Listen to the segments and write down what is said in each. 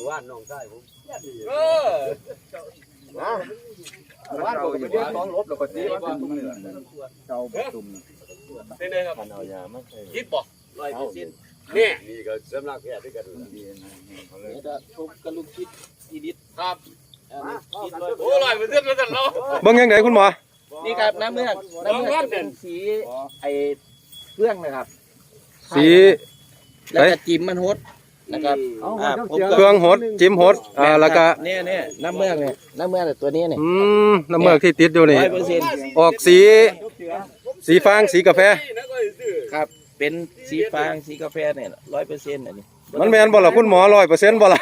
ว่านน้องชายผมนะว่านผมไปเรียกน้องลบแล้วก็ตีว่าเป็นเจ้าประตุ่มเป็นไงครับเอายามาคิดบ่100%นี่ก็สำนักแพทย์ด้วยกันนี่ก็ทุบกระลุกคิดอีดิทครับโอ้100%แล้วกันเนาะเบิ่งยังไงคุณหมอนี่ครับน้ำเมือกจะเป็นสีไอเฟื่องนะครับสีแล้วก็จิ้มมันฮดนะครับเครื่องหดจิ้มหดแล้วก็เนี่ยน้ำเมือกเนี่ยน้ำเมือกตัวนี้เนี่ยน้ำเมือกที่ติดอยู่นี่ออกสีฟางสีกาแฟครับเป็นสีฟางสีกาแฟเนี่ย100%อันนี้มันแม่นบ่ล่ะคุณหมอ100%บ่ล่ะ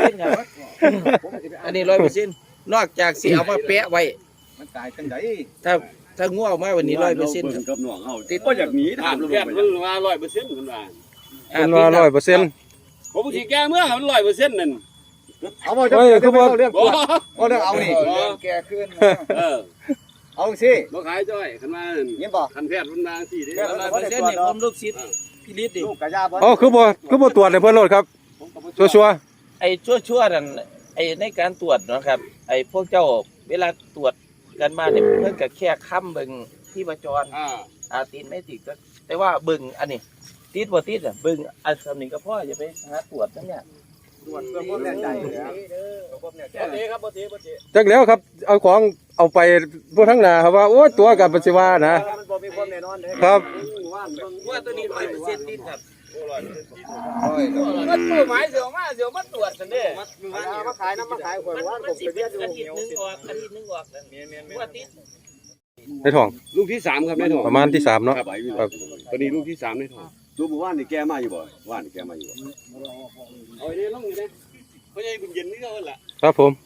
อันนี้100%นอกจากสีเอามาแปะไว้มันตายจังไดถ้าง่วงมาวันนี้100% กับน้องเฮาติดบ่อยากหนีถามแพทย์มันว่า100%มันว่า 100% ผมสิแก้เมื่อมัน100%นั่นเอาบ่จะคือบ่เรื่องตัวบ่เรื่องเอานี่แก่ขึ้นเอาสิบ่ขายจ้อยคันว่านั่นยินบ่คันแพทย์มันมาสิเด้ 100%นี่ผมลูกศิษย์พิริศดิลูกกะยาบ่คือบ่ตรวจให้เพิ่นโลดครับชัวร์ไอ้ชั่วนั่นไอ้ในการตรวจนะครับไอ้พวกเจ้าเวลาตรวจกันมาเนี่ยเพิ่นก็แค่ค้ำเบิ่งที่ประจรติดไม่ติดก็แต่ว่าเบิ่งอันนี้ติดบ่ติดอ่ะเบิ่งอันสำนึกก็พออย่าไปหาตรวจนั่นเนี่ยตรวจเพื่อความแน่ใจครับบ่ติจักแล้วครับเอาของเอาไปพวกทั้งหน้าครับว่าโอ้ตัวกับปัจจุบันนะมันบ่มีความแน่นอนเด้ครับว่าตัวนี้100%ติดครับมันหมายเสียวมาตรวจซั่นเด้มาขายน้ำมาขายข่อยว่าผมไปเรียกอยู่อาทิตย์นึงออกว่าติดในท้องลูกที่3ครับในท้องประมาณที่3เนาะครับตอนนี้ลูกที่3ในท้องตัวบ่ว่านนี่แกมาอยู่บ่ว่านแกมาอยู่บ่เอานี่ลงอยู่เด้พ่อใหญ่บุญเย็นนี่เฮาล่ะครับผม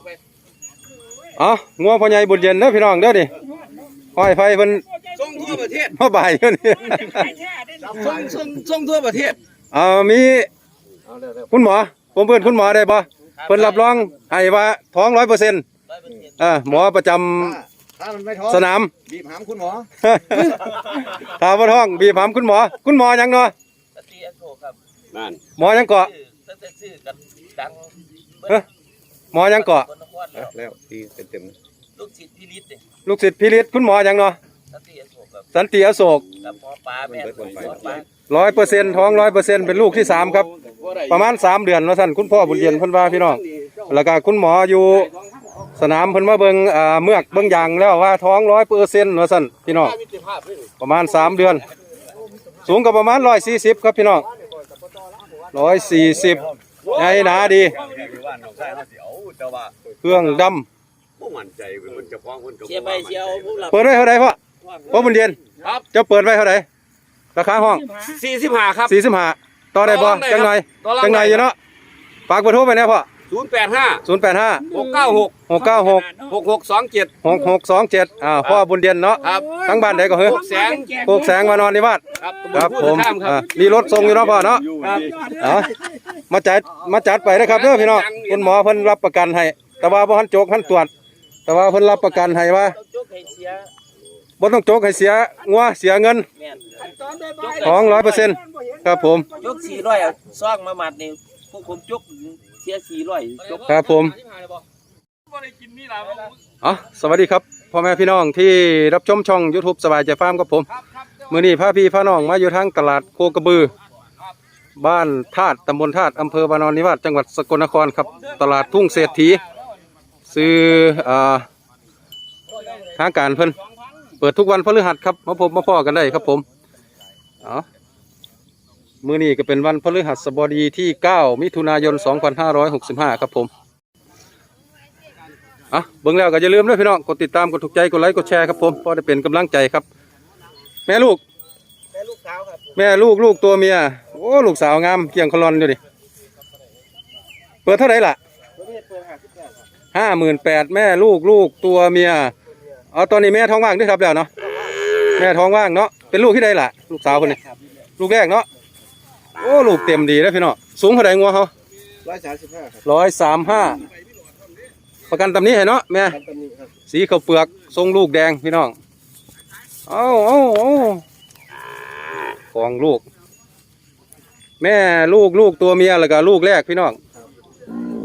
งัวพ่อใหญ่บุญเย็นเด้อพี่น้องเด้อนี่ห้อยไฟเพิ่นส่งทั่วประเทศมาบ่ายอยู่นี่ส่งทั่วประเทศมีคุณหมอผมเพิ่นคุณหมอได้บ่เพิ่นรับรองให้ว่าท้อง 100%หมอประจำสนามบีบหามคุณหมอถ้าบ่ท้องบีบหามคุณหมอหยังเนาะนั่นหมอหยังเกาะหมอหยังเกาะแล้วตีเต็มลูกศิษย์พิริศลูกศิษย์พิริศคุณหมอหยังเนาะสันติอโศก100%ท้อง100%เป็นลูกที่3ครับประมาณ3เดือนว่าซั่นคุณพ่อบุญเย็นเพิ่นว่าพี่น้องแล้วก็คุณหมออยู่สนามเพิ่นมาเบิ่งเมือกเบิ่งอย่างแล้วว่าท้อง 100% ว่าซั่นพี่น้องประมาณ3เดือนสูงก็ประมาณ140ครับพี่น้อง140ใหญ่หนาดีเครื่องดำบ่มั่นใจเพิ่นจะฟ้องเพิ่นก็เสียไปเสียเอาเปิดไว้เท่าใดพ่อบุญเย็นครับจะเปิดไว้เท่าใดราคาห้อง 45ครับ 45ต่อได้บ่จังหน่อยอยู่เนาะฝากเบอร์โทรไปแน่พ่อ085 696 6627พ่อบุญเย็นเนาะทั้งบ้านใดก็เฮ้ยโคกแสงวานอนนิวาสครับผมมีรถส่งอยู่เนาะพ่อเนาะมาจัดไปนะครับเด้อพี่น้องคุณหมอเพิ่นรับประกันให้แต่ว่าบ่ทันโจกทันตรวจแต่ว่าเพิ่นรับประกันให้ว่าบ่ต้องโจกให้เสียงัวเสียเงินท้อง 100% ครับผมจก400เอาซองมามัดนี่พวกผมจกเสีย400จกครับผมสวัสดีครับพ่อแม่พี่น้องที่รับชมช่อง YouTube สบายใจฟาร์มครับผมมื้อนี้พาพี่พาน้องมาอยู่ทางตลาดโคกระบือบ้านธาตุตำบลธาตุอำเภอวานอนนิวาสจังหวัดสกลนครครับตลาดทุ่งเศรษฐีซื้อทางการเพิ่นเปิดทุกวันพฤหัสครับมาพบมาพ่อกันได้ครับผมมื้อนี้ก็เป็นวันพฤหัสบดีที่9มิถุนายน2565ครับผมเบิ่งแล้วก็อย่าลืมด้วยพี่น้องกดติดตามกดถูกใจกดไลค์กดแชร์ครับผมเพราะได้เป็นกำลังใจครับแม่ลูกสาวครับแม่ลูกตัวเมียโอ้ลูกสาวงามเกี่ยงคลอนอยู่ดิเปิดเท่าไหร่ล่ะ58,000แม่ลูกตัวเมียตอนนี้แม่ท้องว่างด้วยครับแล้วเนาะแม่ท้องว่างเนาะเป็นลูกที่ใดล่ะลูกสาวคนนี้ลูกแรกเนาะโอ้ลูกเต็มดีแล้วพี่น้องสูงเท่าไหร่งัวเขา 135ครับ 135ประกันตำนี้ให้เนาะแม่สีข้าวเปลือกทรงลูกแดงพี่น้องของลูกแม่ลูกตัวเมียแล้วก็ลูกแรกพี่น้อง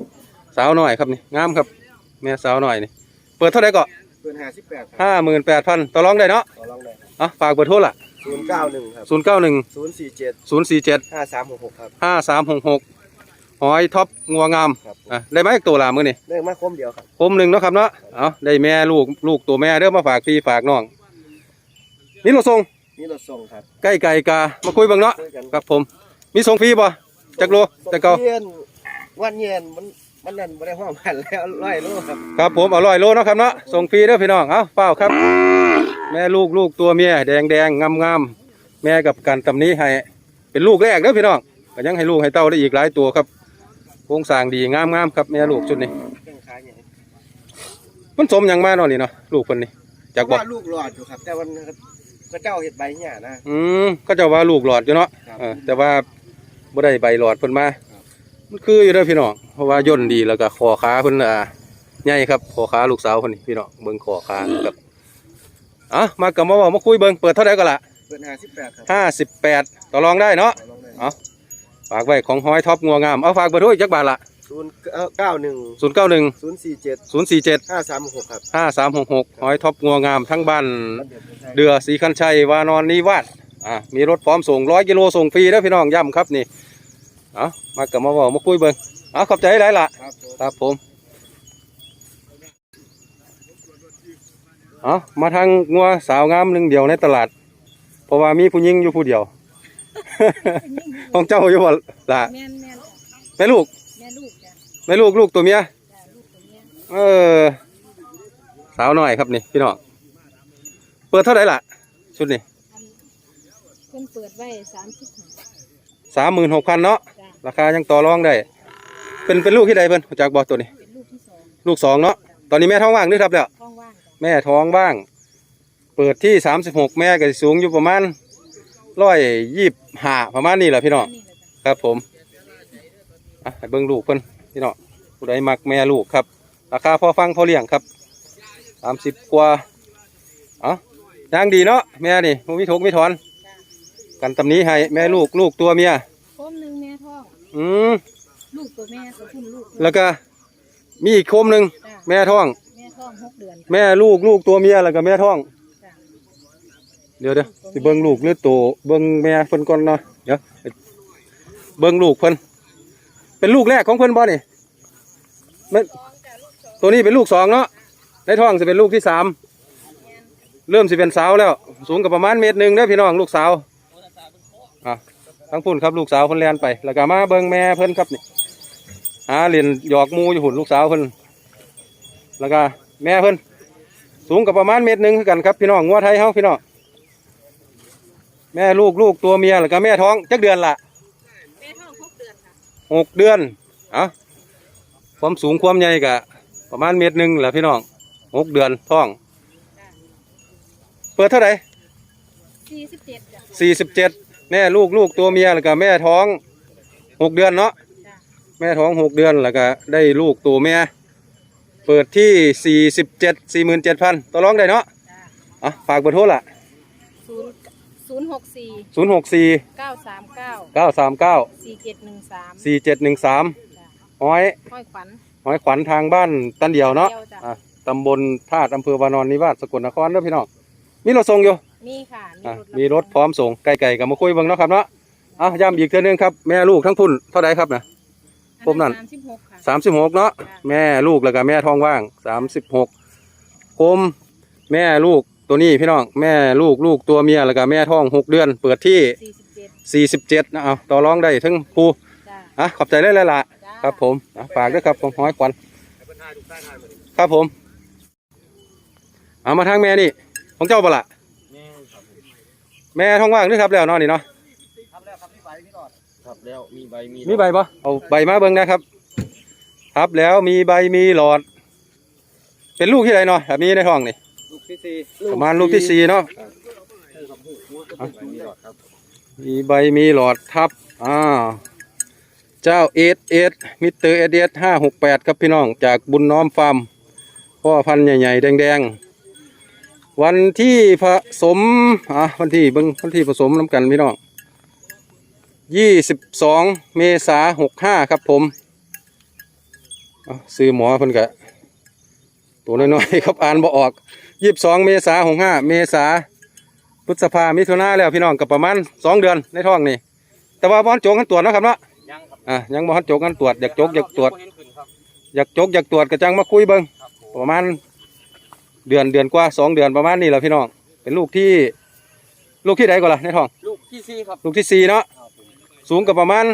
สาวหน่อยครับนี่งามครับแม่สาวหน่อยนี่เปิดเท่าไหร่ก็เปิด58 58,000ต่อรองได้เนาะต่อรองได้อ่ะฝากเบอร์โทรล่ะ 091ครับ 091 047 047 5366ครับ 5366หอยท็อปงัวงามครับอ่ะได้ไหมตัวละมื้อนี่ได้มาคมเดียวครับคมหนึ่งเนาะครับเนาะเอาได้แม่ลูกตัวแม่เด้อมาฝากพี่ฝากน้องนี่เราส่งนี่รถส่งครับใกล้ไก่กามาคุยเบ้างเนาะช่วยกันครับผมมีส่งฟรีบ่จักโลจักเก่าเย็นวันเย็นมันนั่นบ่ได้ห้องพันแล้ว100 โลครับครับผมเอา100 โลเนาะครับเนาะส่งฟรีเด้อพี่น้องเอาเปล่าครับ แม่ลูกตัวเมียแดงงามแม่กับกันตำนี้ให้เป็นลูกแรกเด้อพี่น้องก็ยังให้ลูกให้เต้าได้อีกหลายตัวครับโครงสร้างดีงามครับแม่ลูกชุดนี้เครื่องขายใหญ่มันสมหยังมาเนาะนี่เนาะลูกคนนี้จากบอกว่าลูกหลอดอยู่ครับ แต่วันก็เจ้าเห็ดใบเนี่ยนะก็จะว่าลูกหลอดอยู่เนาะครับแต่ว่าบ่ได้ใบหลอดเพิ่นมามันคืออยู่เด้อพี่น้องเพราะว่าย่นดีแล้วก็คอขาเพิ่นใหญ่ครับคอขาลูกสาวเพิ่นนี่พี่น้องเบิ่งคอขาครับมากับมาเว้ามาคุยเบิ่งเปิดเท่าไหร่ก็ล่ะเปิด58ครับ 58ต่อรองได้เนาะต่อรองได้เอาฝากไว้ของหอยท็อปงัวงามเอาฝากเบอร์โทรอีกจักบาทละ 091 091 047 047 5366ครับ 5366หอยท็อปงัวงามทั้งบ้านบ้านเดือดใช่เดือสีคันชัยวานอนนิวาสมีรถพร้อมส่ง100 กิโลส่งฟรีเด้อพี่น้องย้ำครับนี่มากับมาเว้ามาคุยเบิ่งขอบใจหลายล่ะครับผมครับผมมาทางงัวสาวงามหนึ่งเดียวในตลาด เพราะว่ามีผู้หญิงอยู่ผู้เดียว ของเจ้าอยู่บ่ล่ะแม่นแม่ลูกแม่ลูกจ้ะแม่ลูกตัวเมียจ้ะลูกตัวเนี้ยสาวหน่อยครับนี่พี่น้องเปิดเท่าไหร่ล่ะชุดนี้เพิ่นเปิดไว้35 36,000เนาะจ้ะราคายังต่อรองได้เป็นลูกที่ใดเพิ่นจากบอกตัวนี้เป็นลูกที่สองลูกสองเนาะตอนนี้แม่ท้องว่างหรือครับแล้วท้องว่างจ้ะแม่ท้องบ้าง เปิดที่36แม่ก็สิสูงอยู่ประมาณ125ประมาณนี้แหละพี่น้องนี่แหละจ้ะครับผมให้เบิ่งลูกเพิ่นพี่น้องผู้ใดมักแม่ลูกครับราคาพอฟังพอเลี้ยงครับ30กว่าย่างดีเนาะแม่นี่บ่มีทุกข์มีถอนจ้ะกันตำนี้ให้แม่ลูกตัวเมียโคมหนึงแม่ท้อง ลูกตัวแม่ก็พุ่นลูกแล้วก็มีอีกโคมหนึ่งจ้ะแม่ท้องแม่ท้อง6 เดือนแม่ลูกตัวเมียแล้วก็แม่ท้องจ้ะเดี๋ยวสิเบิ่งลูกหรือตัวเบิ่งแม่เพิ่นก่อนเนาะเดี๋ยวเบิ่งลูกเพิ่นเป็นลูกแรกของเพิ่นบ่นี่แม่ตัวนี้เป็นลูกสองเนาะในท้องจะเป็นลูกที่3เริ่มสิเป็นสาวแล้ว สูงกับประมาณ1 เมตรเด้อพี่น้องลูกสาวทั้งพุ่นครับลูกสาวเพิ่นแล่นไปแล้วก็มาเบิ่งแม่เพิ่นครับนี่เรียนหยอกหมูอยู่หุ่นลูกสาวเพิ่นแล้วก็แม่เพิ่นสูงกับประมาณ1 เมตรคือกันครับพี่น้องงัวไทยเฮาพี่น้องแม่ลูกตัวเมียแล้วก็แม่ท้องจักเดือนละแม่ท้อง6 เดือนค่ะ 6 เดือนความสูงความใหญ่ก็ประมาณ1 เมตรแหละพี่น้อง6 เดือนท้องจ้ะเปิดเท่าไหร่ 47จ้ะ 47แม่ลูกตัวเมียแล้วก็แม่ท้อง6 เดือนเนาะจ้ะแม่ท้อง6 เดือนแล้วก็ได้ลูกตัวแม่เปิดที่47,000ต่อรองได้เนาะจ้ะฝากเบอร์โทรล่ะ 064 064 939 939 4713 4713 จ้ะหอยห้อยขวัญขวัญทางบ้านตันเดียวเนาะเดียวจ้ะตำบลธาตุอำเภอวานอนนิวาสสกลนครเด้อพี่น้องมีรถส่งอยู่มีค่ะมีรถพร้อมส่งไก่กับมาคุยเบิ่งเนาะครับเนาะย้ำอีกเทื่อนึงครับแม่ลูกทั้งพุ่นเท่าไหร่ครับนะ ผมนั่น 36ค่ะ 36เนาะจ้ะแม่ลูกแล้วก็แม่ท้องว่าง36คมแม่ลูกตัวนี้พี่น้องแม่ลูกตัวเมียแล้วก็แม่ท้อง6 เดือน เปิดที่47นะต่อรองได้ทั้งผู้จ้ะขอบใจเลยล่ะจ้ะครับผมฝากด้วยครับผมห้อยขวัญครับผมมาทางแม่นี่ของเจ้าบ่ละแม่ท้องว่างด้วยครับแล้วนอนนี่เนาะครับแล้วมีใบมีใบปะเอาใบมาเบิ่งนะครับครับแล้วมีใบมีหลอด เป็นลูกที่ไหนเนาะแบบนี้ในท้องนี่ลูกที่ประมาณลูกที่4เนาะมีใบมีหลอดทับเจ้ามิสเตอร์568ครับพี่น้องจากบุญน้อมฟาร์มพ่อพันธุ์ใหญ่ๆแดงๆวันที่ผสมวันที่เบิ่งวันที่ผสมน้ำกันพี่น้อง22 เมษายน65ครับผมเอาซื้อหมอเพิ่นกะตัวน้อยๆครับอ่านบ่ออก22 เมษายน65 เมษายนพฤษภามิถุนาแล้วพี่น้องกับประมาณ2 เดือนในท้องนี่แต่ว่าบ่ทันโจกกันตรวจเนาะครับเนาะยังครับยังบ่ทันโจกกันตรวจอยากโจกอยากตรวจบ่เห็นขึ้นครับอยากตรวจกระจังมาคุยเบิ่งครับผมประมาณเดือนกว่า2 เดือนประมาณนี้แหละพี่น้องเป็นลูกที่ใดก่อนล่ะในท้องลูกที่สี่ครับลูกที่4เนาะครับผมสูงกับประมาณ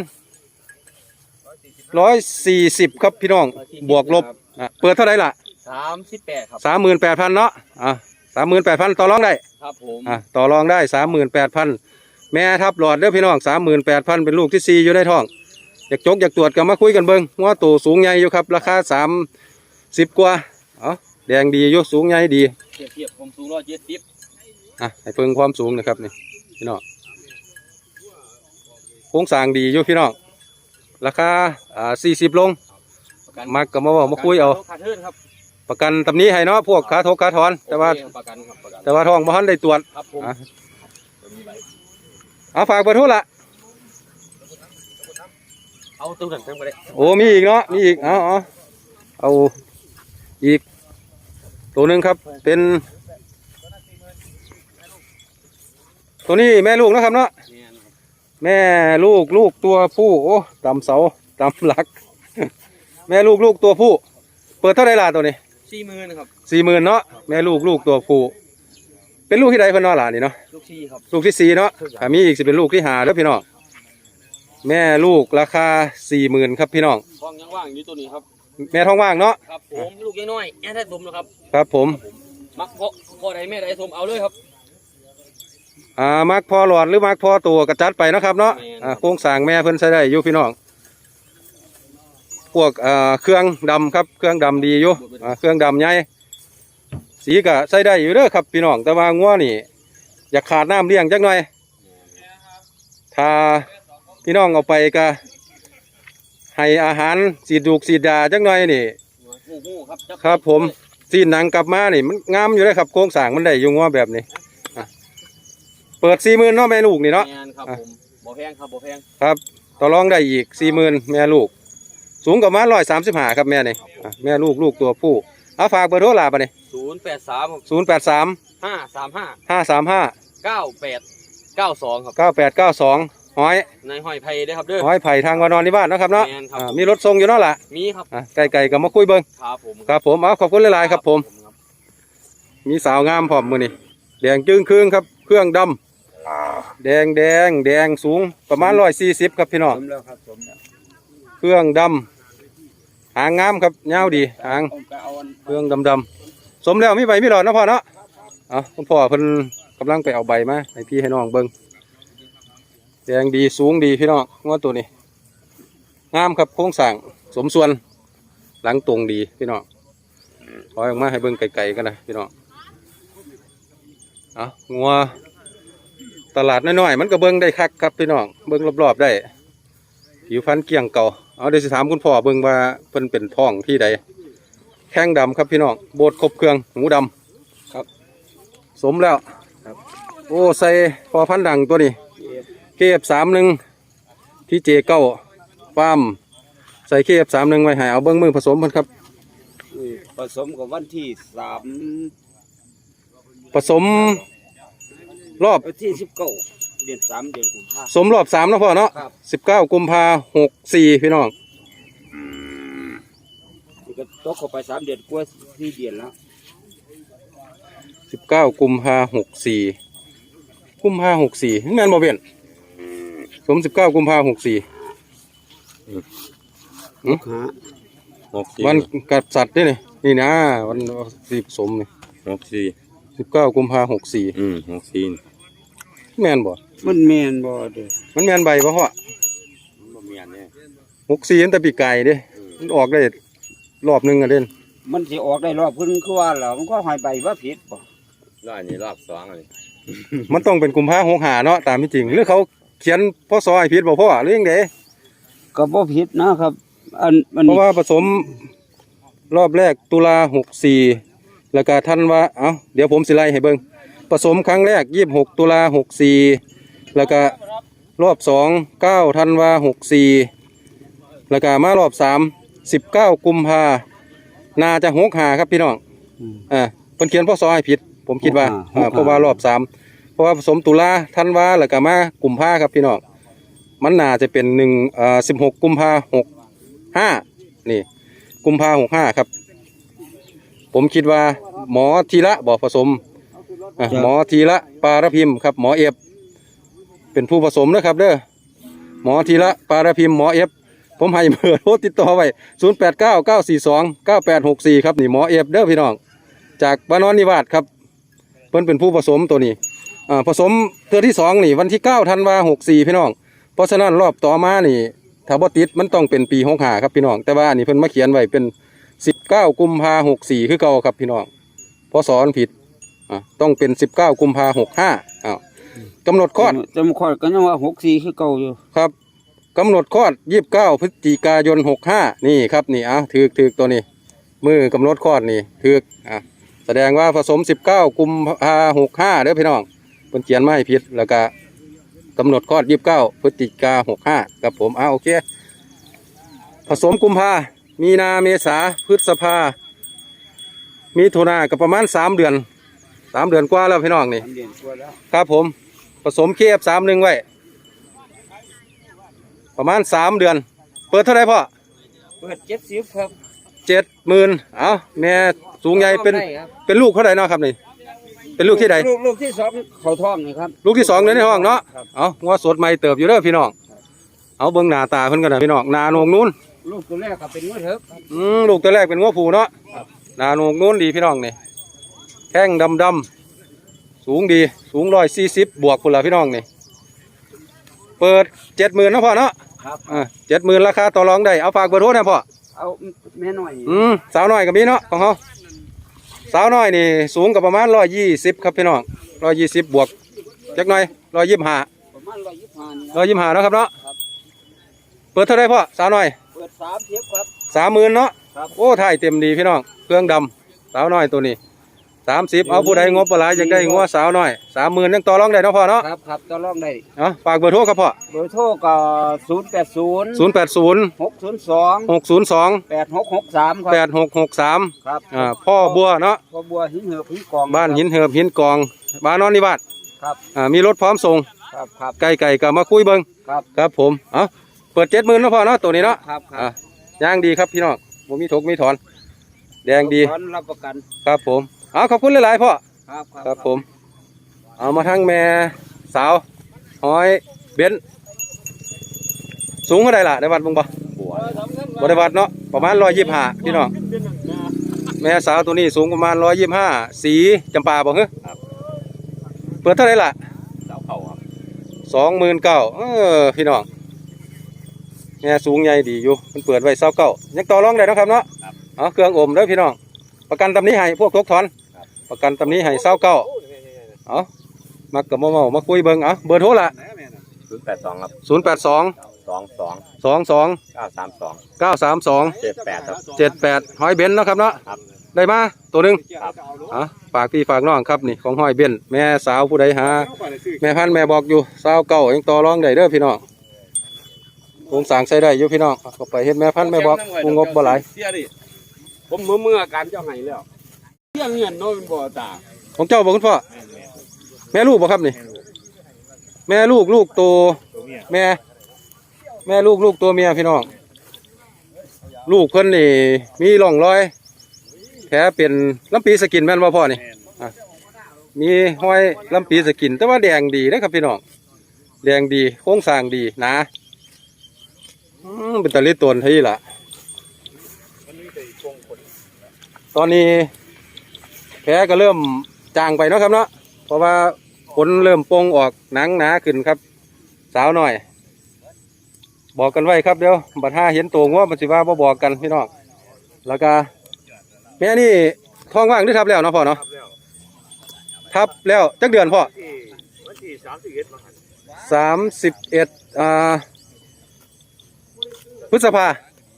140ครับพี่น้องบวกลบเปิดเท่าไหร่ล่ะ 38ครับ 38,000เนาะ38,000ต่อรองได้ครับผมต่อรองได้ 38,000แม่ทับหลอดเด้อพี่น้อง 38,000เป็นลูกที่4อยู่ในท้องอยากตรวจก็มาคุยกันเบิ่งว่าตัวสูงใหญ่อยู่ครับราคา30กว่าแดงดีอยู่สูงใหญ่ดีเทียบผมสูง170 ให้เพิ่งความสูงนะครับนี่พี่น้องโครงสร้างดีอยู่พี่น้องราคา40ลงมักก็มาบอกมาคุยเอาขาดทุนครับประกันตำนี้ให้เนาะพวกขาทกขาถอนแต่ว่าโอเคประกันครับประกันท้องบ่ทันได้ตรวจครับผมฝากเบอร์โทรละเอาตัวหนังทั้งไปเลยโอ้มีอีกเนาะมีอีกเอาอีกตัวหนึ่งครับเป็นตัวนี้แม่ลูกนะครับเนาะแม่ลูกตัวผู้โอ้ต่ำเสาต่ำหลัก แม่ลูกตัวผู้เปิดเท่าไรล่ะตัวนี้ 40,000ครับ 40,000เนาะแม่ลูกตัวผู้เป็นลูกที่ใดเพิ่นเนาะล่ะนี่เนาะลูกที่ครับลูกที่4เนาะถ้ามีอีกสิเป็นลูกที่5แล้วพี่น้องแม่ลูกราคา 40,000ครับพี่น้องท้องยังว่างอยู่ตัวนี้ครับแม่ท้องว่างเนาะครับผมลูกยังน้อยแอนได้สมนะครับครับผมมักพ่อใดแม่ใดสมเอาเลยครับมักพอหลอดหรือมักพอตัวกระจัดไปเนาะครับเนาะโครงสร้างแม่เพิ่นใช้ได้อยู่พี่น้องพวกเครื่องดำครับเครื่องดำดีอยู่เครื่องดำใหญ่สีก็ใช้ได้อยู่เด้อครับพี่น้องแต่ว่างัวนี่อยากขาดน้ำเลี้ยงจักหน่อยถ้าพี่น้องเอาไปก็ให้อาหารสีดยาจักหน่อยนี่หูครับผมสีหนังกลับมานี่มันงามอยู่เลยครับโครงสร้างมันได้อยู่งัวแบบนี้เปิด 40,000เนาะแม่ลูกนี่เนาะแม่นครับผมบ่แพงครับบ่แพงครับต่อรองได้อีก 40,000แม่ลูกสูงกับมา135ครับแม่นี่แม่ลูกตัวผู้ฝากเบอร์โทรลาบ่นี่ 083 083 535 535 9892ครับ 9892ห้อยในห้อยไผ่ได้ครับเด้อห้อยไผ่ทางวานอนที่บ้านเนาะครับเนาะแม่นครับมีรถส่งอยู่เนาะล่ะมีครับไก่ก็มาคุยเบิ่งครับผมครับผมขอบคุณหลายๆครับผมมีสาวงามพร้อมมื้อนี้แดงจึ้งครึ่งครับเครื่องดำแดงสูงประมาณ140ครับพี่น้องสมแล้วครับสมแล้วเครื่องดำหางงามครับยาวดีหางเครื่องดำสมแล้วมีใบมีหลอดนะพ่อเนาะคุณพ่อเพิ่นกำลังไปเอาใบมาให้พี่ให้น้องเบิ่งแดงดีสูงดีพี่น้องงวดตัวนี้งามครับโครงสร้างสมส่วนหลังตรงดีพี่น้องถอยออกมาให้เบิ่งไกลๆกันนะพี่น้องงัวตลาดน้อยๆมันก็เบิ่งได้คักครับพี่น้องเบิ่งรอบๆได้ผิวพรรณเกลี้ยงเก่าเดี๋ยวสิถามคุณพ่อเบิ่งว่าเพิ่นเป็นท้องที่ใดแข้งดำครับพี่น้องโบดครบเครื่องหูดำครับสมแล้วครับโอ้ใส่พอพันธุ์ดังตัวนี้เคฟ31ที่เจเก้าฟาร์มใส่เคฟ31ไว้ให้เอาเบิ่งมือผสมเพิ่นครับผสมกับวันที่ผสมรอบวันที่19 เดือน3 เดือนกุมภาพันธ์สมรอบ3นะพ่อเนาะครับ 19 กุมภา64พี่น้องนี่ก็ตกเข้าไป3 เดือนกว่า4 เดือนแล้ว 19 กุมภา64กุมภา64แม่นบ่เว้นสม19 กุมภา64วันกับสัตว์นี่นะวันที่ผสมนี่19 กุมภา64 64แม่นบ่มันแม่นบ่เด้อมันแม่นใบบ่พ่อบ่แม่นเด้ 64ตั้งแต่ปีกายเด้มันออกได้รอบนึงอ่ะเด่นมันสิออกได้รอบเพิ่นคือว่าแล้วมันก็หอยใบว่าผิดบ่รอบนี้รอบ2เลยมันต้องเป็นกุมภา65เนาะตามที่จริงหรือเขาเขียนพศให้ผิดบ่พ่อหรือยังไดก็บ่ผิดนะครับอันเพราะว่าผสมรอบแรกตุลา64แล้วก็ธันวาเดี๋ยวผมสิไล่ให้เบิ่งผสมครั้งแรก26ตุลา64แล้วก็รอบ2 9ธันวา64แล้วก็มารอบ3 19 กุมภาน่าจะ65ครับพี่น้องเพิ่นเขียนพศให้ผิดผมคิดว่าเพราะว่ารอบ3เพราะว่าผสมตุลาธันวาแล้วก็มากุมภาครับพี่น้องมันน่าจะเป็น16 กุมภา65นี่กุมภา65ครับผมคิดว่าหมอธีระบ่ผสมหมอธีระปารพิมพ์ครับหมอเอฟเป็นผู้ผสมนะครับเด้อหมอธีระปารพิมพ์หมอเอฟผมให้เบอร์โทรติดต่อไว้0899429864ครับนี่หมอเอฟเด้อพี่น้องจากบ้านนอนนิวาสครับเพิ่นเป็นผู้ผสมตัวนี้ผสมเทื่อที่2นี่วันที่9ธันวาคม64พี่น้องเพราะฉะนั้นรอบต่อมานี่ถ้าบ่ติดมันต้องเป็นปี65ครับพี่น้องแต่ว่าอันนี้เพิ่นมาเขียนไว้เป็น19 กุมภาพันธ์64คือเก่าครับพี่น้องพศผิดต้องเป็น19 กุมภาพันธ์65กำหนดคลอดก็ยังว่า64คือเก่าอยู่ครับกำหนดคลอด29 พฤศจิกายน65นี่ครับนี่ถือตัวนี้มือกำหนดคลอดนี่ถือแสดงว่าผสม19 กุมภาพันธ์65เด้อพี่น้องเพิ่นเขียนมาให้ผิดแล้วก็กำหนดคลอด29 พฤศจิกายน65ครับผมโอเคผสมกุมภามีนาเมษาพฤษภามีถุนาก็ประมาณ3 เดือนกว่าแล้วพี่น้องนี่ครับผมผสมKF31ไว้ประมาณ3 เดือนเปิดเท่าไรพ่อเปิด70ครับ 70,000แม่สูงใหญ่เป็นลูกเท่าไรเนาะครับนี่เป็นลูกที่ใดลูกที่2เขาท้องนี่ครับลูกที่2ในห้องเนาะงัวสดใหม่เติบอยู่เด้อพี่น้องเบิ่งหน้าตาเพิ่นกันนะพี่น้องหน้าโหนกนู้นลูกตัวแรกก็เป็นงัวเถิกลูกตัวแรกเป็นงัวผูเนาะหน้าโหนกนู้นดีพี่น้องนี่แข้งดำสูงดีสูง140บวกพุ่นละพี่น้องนี่เปิด70,000นะพ่อเนาะครับ 70,000ราคาต่อรองได้เอาฝากเบอร์โทรนะพ่อเอาแม่น้อยสาวน้อยก็มีเนาะของเขาสาวน้อยนี่สูงกับประมาณ120ครับพี่น้อง120บวกจักหน่อย125 ประมาณ 125นะครับเนาะเปิดเท่าไรพ่อสาวน้อยเปิด30ครับ 30,000เนาะโอ้ถ่ายเต็มดีพี่น้องเครื่องดำสาวน้อยตัวนี้30เอาผู้ใดงบปลาอยากได้งัวสาวน้อย30,000ยังต่อรองได้เนาะพ่อเนาะครับต่อรองได้ฝากเบอร์โทรครับพ่อเบอร์โทรก็080 602 8663 ครับพ่อบัวเนาะพ่อบัวหินเหือบหินกองบ้านหินเหือบหินกองบ้านนอนนิวาสครับมีรถพร้อมส่งครับไก่ก็มาคุยเบิ่งครับผมเปิด70,000เนาะพ่อเนาะตัวนี้เนาะครับย่างดีครับพี่น้องบ่มีถกมีถอนแดงดีรับประกันครับผมขอบคุณหลายๆพ่อครับผมเอามาทั้งแม่สาวห้อยเบนสูงเท่าไรล่ะได้วัดบุ้งบ่ได้วัดเนาะประมาณ125พี่น้องแม่สาวตัวนี้สูงประมาณ125สีจำปาบ่เหรอเปิดเท่าไรล่ะ29,000พี่น้องแม่สูงใหญ่ดีอยู่มันเปิดไว้29,000ยังต่อรองได้นะครับเนาะเครื่องอมเด้อพี่น้องประกันตำนี้ให้พวกทกถอนประกันตำนี้ให้29,000มากับมาคุยเบิ่งเบอร์โทรละ 082ครับ 22 932 78ครับ 78ห้อยเบนเนาะครับเนาะได้มาตัวนึงฝากพี่ฝากน้องครับนี่ของห้อยเบนแม่สาวผู้ใดหาแม่พันแม่บอกอยู่29ยังต่อรองได้เด้อพี่น้องโครงสร้างใช้ได้อยู่พี่น้องก็ไปเฮ็ดแม่พันแม่บอกงบบ่หลายผมเมื่อการเจ้าไห้แล้วเรื่องเงินโน้นบ่ตาของเจ้าบอกคุณพ่อแม่ลูกบ่ครับนี่แม่ลูกโตแม่ลูกตัวเมียพี่น้องลูกเพิ่นนี่มีร่องรอยแผลเป็นลำปีสกินแม่นบ่พ่อนี่มีห้อยลำปีสกินแต่ว่าแดงดีนะครับพี่น้องแดงดีโครงสร้างดีหนาเป็นตะลิตนที่ล่ะตอนนี้แผลก็เริ่มจางไปเนาะครับเนาะเพราะว่าขนเริ่มปงออกหนังหนาขึ้นครับสาวหน่อยบอกกันไว้ครับเดี๋ยวบัดห้าเห็นตัวงัวมันสิว่าบ่บอกกันพี่น้องแล้วก็แม่นี่ท้องว่างหรือทับแล้วเนาะพ่อเนาะทับแล้วจักเดือนพ่อ31พฤษภา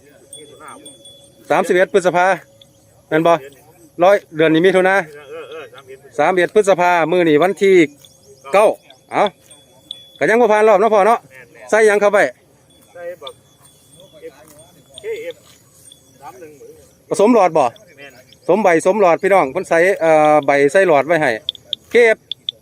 31พฤษภาแม่นบ่100เดือนนี้มีทุนนะ31พฤษภามื้อนี้วันที่9ก็ยังบ่ผ่านรอบเนาะพ่อเนาะใส่ยังเข้าไปใส่บักผสมหลอดบ่สมใบสมหลอดพี่น้องเพิ่นใส่ใบใส่หลอดไว้ให้เคฟ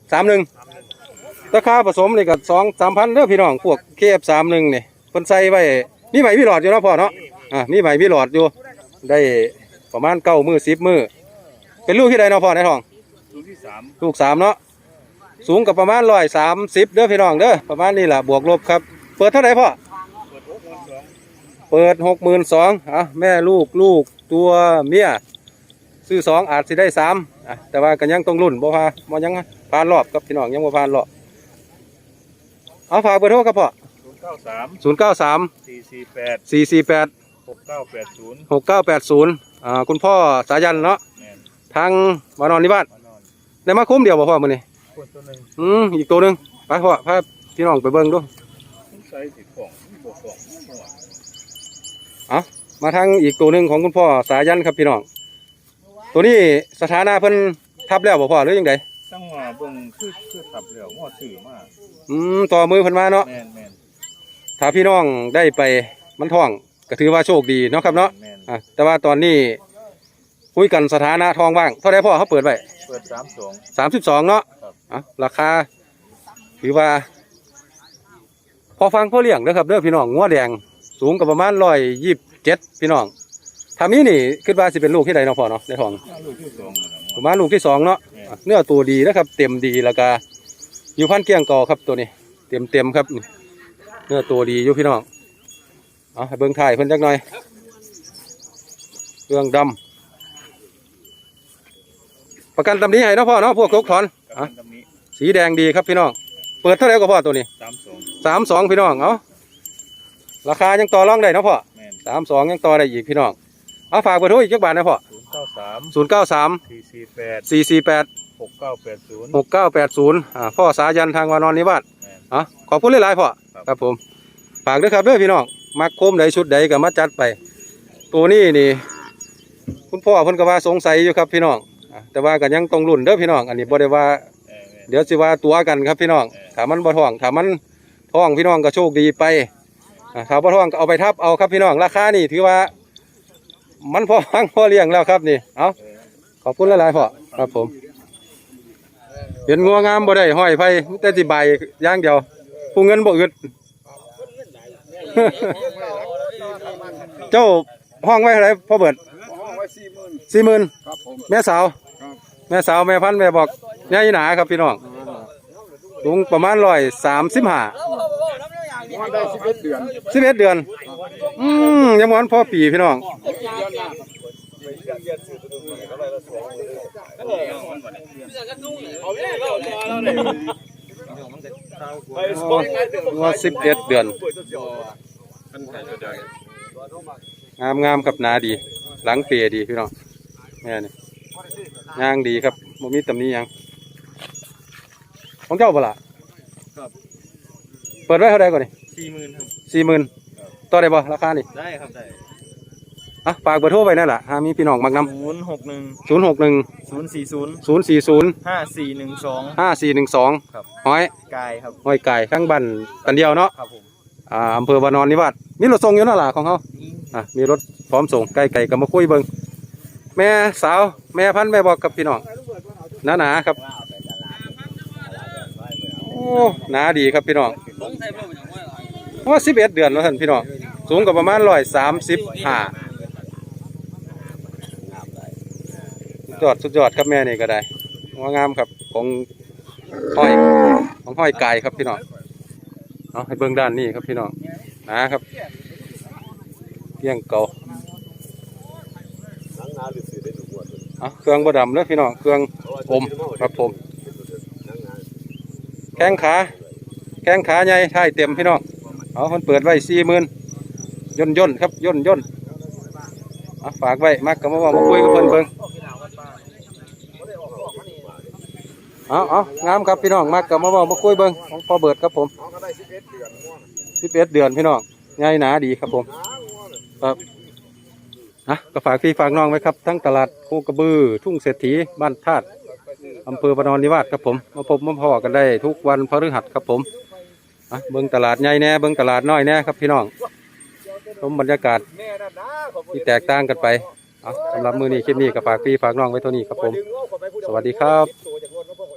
31ราคาผสมนี่ก็2-3,000เด้อพี่น้องพวกเคฟ31นี่เพิ่นใส่ไว้มีใบมีหลอดอยู่เนาะพ่อเนาะมีใบมีหลอดอยู่ได้ประมาณ9 มื้อ10 มื้อเป็นลูกที่ใดเนาะพ่อในท้องลูก3เนาะสูงกับประมาณ130เด้อพี่น้องเด้อประมาณนี้ล่ะบวกลบครับเปิดเท่าไหร่พ่อเปิด 62,000แม่ลูกตัวเมียซื้อ2อาจสิได้3แต่ว่าก็ยังต้องรุ่นบ่ยังผ่านรอบครับพี่น้องยังบ่ผ่านรอบเอาฝากเบอร์โทรครับพ่อ093 448 6980คุณพ่อสายันเนาะทางมานอนที่บ้านได้มาคุ้มเดียวบ่พ่อมื้อนี้อีกตัวหนึงไปพ่อพาพี่น้องไปเบิ่งดูมาทางอีกตัวหนึงของคุณพ่อสายันครับพี่น้องตัวนี้สถานะเพิ่นทับแล้วบ่พ่อหรือยังไงจังหวะเบิ่งคือทับแล้วงอซื้อมาต่อมือเพิ่นมาเนาะถ้าพี่น้องได้ไปมันท้องก็ถือว่าโชคดีเนาะครับเนาะแต่ว่าตอนนี้คุยกันสถานะทองว่างเท่าไรพ่อเขาเปิดไว้32เนาะราคาถือว่าพอฟังพ่อเลี้ยงนะครับเด้อพี่น้องงัวแดงสูงกับประมาณ127พี่น้องถ้ามีนี่คิดว่าสิเป็นลูกที่ใดเนาะพ่อเนาะในท้องประมาณลูกที่2เนาะเนื้อตัวดีนะครับเต็มดีแล้วก็อยู่พันเกี้ยงกอครับตัวนี้เต็มครับเนื้อตัวดีอยู่พี่น้องให้เบิ่งถ่ายเพิ่นจักหน่อยเครื่องดำประกันตำนี้ให้เนาะพ่อเนาะพวกกถอนสีแดงดีครับพี่น้องเปิดเท่าไหร่ก็พ่อตัวนี้32พี่น้องราคายังต่อรองได้เนาะพ่อ32ยังต่อได้อีกพี่น้องฝากเบอร์โทรอีกจักบาทนะพ่อ093 448 6980พ่อสายันทางวานอนนิวาสขอบคุณหลายๆพ่อครับผมฝากด้วยครับเด้อพี่น้องมักโคมใดชุดใดก็มาจัดไปตัวนี้นี่คุณพ่อเพิ่นก็ว่าสงสัยอยู่ครับพี่น้องแต่ว่าก็ยังต้องรุ่นเด้อพี่น้องอันนี้บ่ได้ว่าเดี๋ยวสิว่าตัวกันครับพี่น้องถ้ามันบ่ท้องถ้ามันท้องพี่น้องก็โชคดีไปถ้าบ่ท้องก็เอาไปทับเอาครับพี่น้องราคานี่ถือว่ามันพอฟังพอเลี้ยงแล้วครับนี่ขอบคุณหลายๆพ่อครับผมเห็นงัวงามบ่ได้ห้อยไผแต่สิใบอย่างเดียวผู้เงินบ่อึดเจ้าห้องไว้เท่าไหร่พ่อเบิด40,000แม่สาวแม่พันธุ์แม่บอกใหญ่หนาครับพี่น้องสูงประมาณ135 ได้11 เดือนยังวันพ่อปีพี่น้องว่า11 เดือนงามกับหนาดีหลังเปียดีพี่น้องแม่นี่ย่างดีครับโมมีตำนี้ยังของเจ้าเปล่าครับเปิดไว้เท่าไรก่อนนี่40,000ครับ40,000ต่อได้บ่ราคานี่ได้ครับได้ฝากเบอร์โทรไปนั่นแหละมีพี่น้องมักนำ061 5412ครับห้อยกายครับห้อยกายข้างบ้านกันเดียวเนาะครับผมอำเภอวานอนนิวาสมีรถส่งอยู่นั่นแหละของเขามีรถพร้อมส่งไก่ก็มาคุยเบิ่งแม่สาวแม่พันธุ์แม่บอกกับพี่น้องหนาครับโอ้หนาดีครับพี่น้องว่า11 เดือนแล้วท่านพี่น้องสูงกับประมาณ135สุดยอดครับแม่นี่ก็ได้งามครับของห้อยไก่ครับพี่น้องให้เบื้องด้านนี้ครับพี่น้องนะครับเกี้ยงเก่าเครื่องบดำเด้อพี่น้องเครื่องอมครับผมแข้งขาใหญ่ท้ายเต็มพี่น้องคนเปิดไว้40,000ย่นครับย่นฝากไว้มักกับมาคุยกับเพิ่นเบิ่งงามครับพี่น้องมักกับมาคุยเบิ่งของพ่อเบิดครับผม11 เดือนพี่น้องใหญ่หนาดีครับผมครับก็ฝากพี่ฝากน้องไว้ครับทั้งตลาดโคกระบือทุ่งเศรษฐีบ้านธาตุอำเภอวานอนนิวาสครับผมมาพบมาพอกันได้ทุกวันพฤหัสครับผมเบิ่งตลาดใหญ่แน่เบิ่งตลาดน้อยแน่ครับพี่น้องชมบรรยากาศที่แตกต่างกันไปเอาสำหรับมื้อนี้คลิปนี้ก็ฝากพี่ฝากน้องไว้เท่านี้ครับผมสวัสดีครับ